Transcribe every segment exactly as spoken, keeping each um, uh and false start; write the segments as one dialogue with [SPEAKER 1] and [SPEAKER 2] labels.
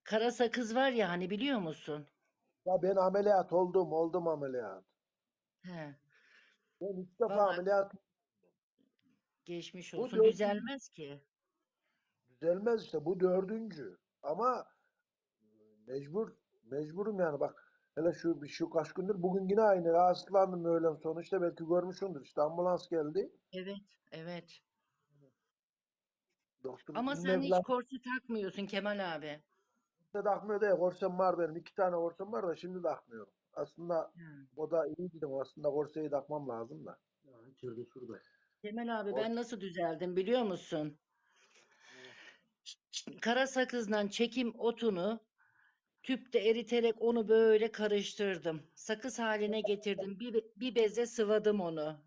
[SPEAKER 1] Kara sakız var ya hani biliyor musun?
[SPEAKER 2] Ya ben ameliyat oldum, oldum ameliyat.
[SPEAKER 1] He.
[SPEAKER 2] Ben üç defa
[SPEAKER 1] Vallahi
[SPEAKER 2] ameliyat.
[SPEAKER 1] geçmiş
[SPEAKER 2] Bu
[SPEAKER 1] olsun.
[SPEAKER 2] dördüncü.
[SPEAKER 1] Düzelmez ki.
[SPEAKER 2] Düzelmez işte, bu dördüncü. Ama mecbur, mecburum yani bak. Hele şu bir şu kaç gündür bugün yine aynı rahatsızlandım öğlen sonu işte belki görmüşsündür işte ambulans geldi.
[SPEAKER 1] Evet, evet.
[SPEAKER 2] Doktor
[SPEAKER 1] Ama
[SPEAKER 2] iğne
[SPEAKER 1] sen hiç
[SPEAKER 2] falan
[SPEAKER 1] korse takmıyorsun Kemal abi.
[SPEAKER 2] da takmıyor değil. Korsem var benim. İki tane korsem var da şimdi takmıyorum. Aslında
[SPEAKER 1] Hı.
[SPEAKER 2] o da iyi dedim. Aslında korseyi takmam lazım da. Ya içeride şurada.
[SPEAKER 1] Kemal abi
[SPEAKER 2] Korse.
[SPEAKER 1] ben nasıl düzeldim biliyor musun? Kara sakızdan çekim otunu tüpte eriterek onu böyle karıştırdım. Sakız haline getirdim. Bir, be- bir beze sıvadım onu.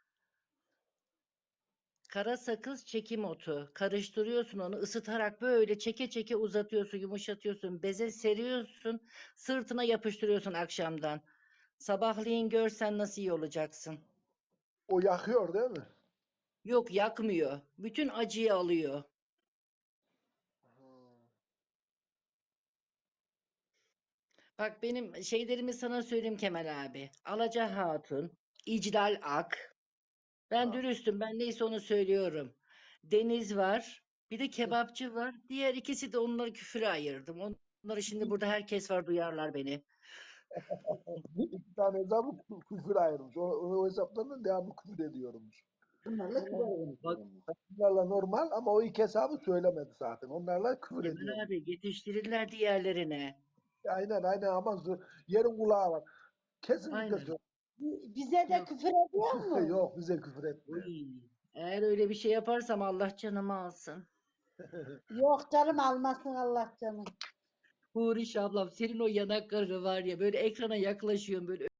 [SPEAKER 1] Kara sakız çekim otu. Karıştırıyorsun onu ısıtarak böyle çeke çeke uzatıyorsun, yumuşatıyorsun. Beze seriyorsun, sırtına yapıştırıyorsun akşamdan. Sabahleyin görsen nasıl iyi olacaksın.
[SPEAKER 2] O yakıyor değil mi?
[SPEAKER 1] Yok yakmıyor. Bütün acıyı alıyor. Bak benim şeylerimi sana söyleyeyim Kemal abi. Alaca Hatun, İclal Ak. Ben
[SPEAKER 2] Ha.
[SPEAKER 1] dürüstüm. Ben neyse onu söylüyorum. Deniz var. Bir de kebapçı var. Diğer ikisi de onları küfüre ayırdım. Onları şimdi burada herkes var duyarlar beni.
[SPEAKER 2] İki tane hesabı kü- küfür ayırmış. O, o hesaptan da devamlı küfür ediyormuş. Bunlarla kibar
[SPEAKER 1] Bak
[SPEAKER 2] konuşuyormuş. Bunlarla normal ama o iki hesabı söylemedi zaten. Onlarla küfür
[SPEAKER 1] Kemal
[SPEAKER 2] ediyormuş.
[SPEAKER 1] abi yetiştirirler diğerlerine.
[SPEAKER 2] Aynen aynen ama zor- yerin kulağı var. Kesinlikle
[SPEAKER 1] Aynen.
[SPEAKER 2] söyle.
[SPEAKER 3] Bize de
[SPEAKER 1] Yok.
[SPEAKER 3] küfür ediyor mu?
[SPEAKER 2] Yok bize küfür
[SPEAKER 1] Uy.
[SPEAKER 2] etmiyor.
[SPEAKER 1] Eğer öyle bir şey yaparsam Allah canımı alsın.
[SPEAKER 3] Yok canım almasın Allah canım.
[SPEAKER 1] Huriş ablam senin o yanakları var ya böyle ekrana yaklaşıyorum böyle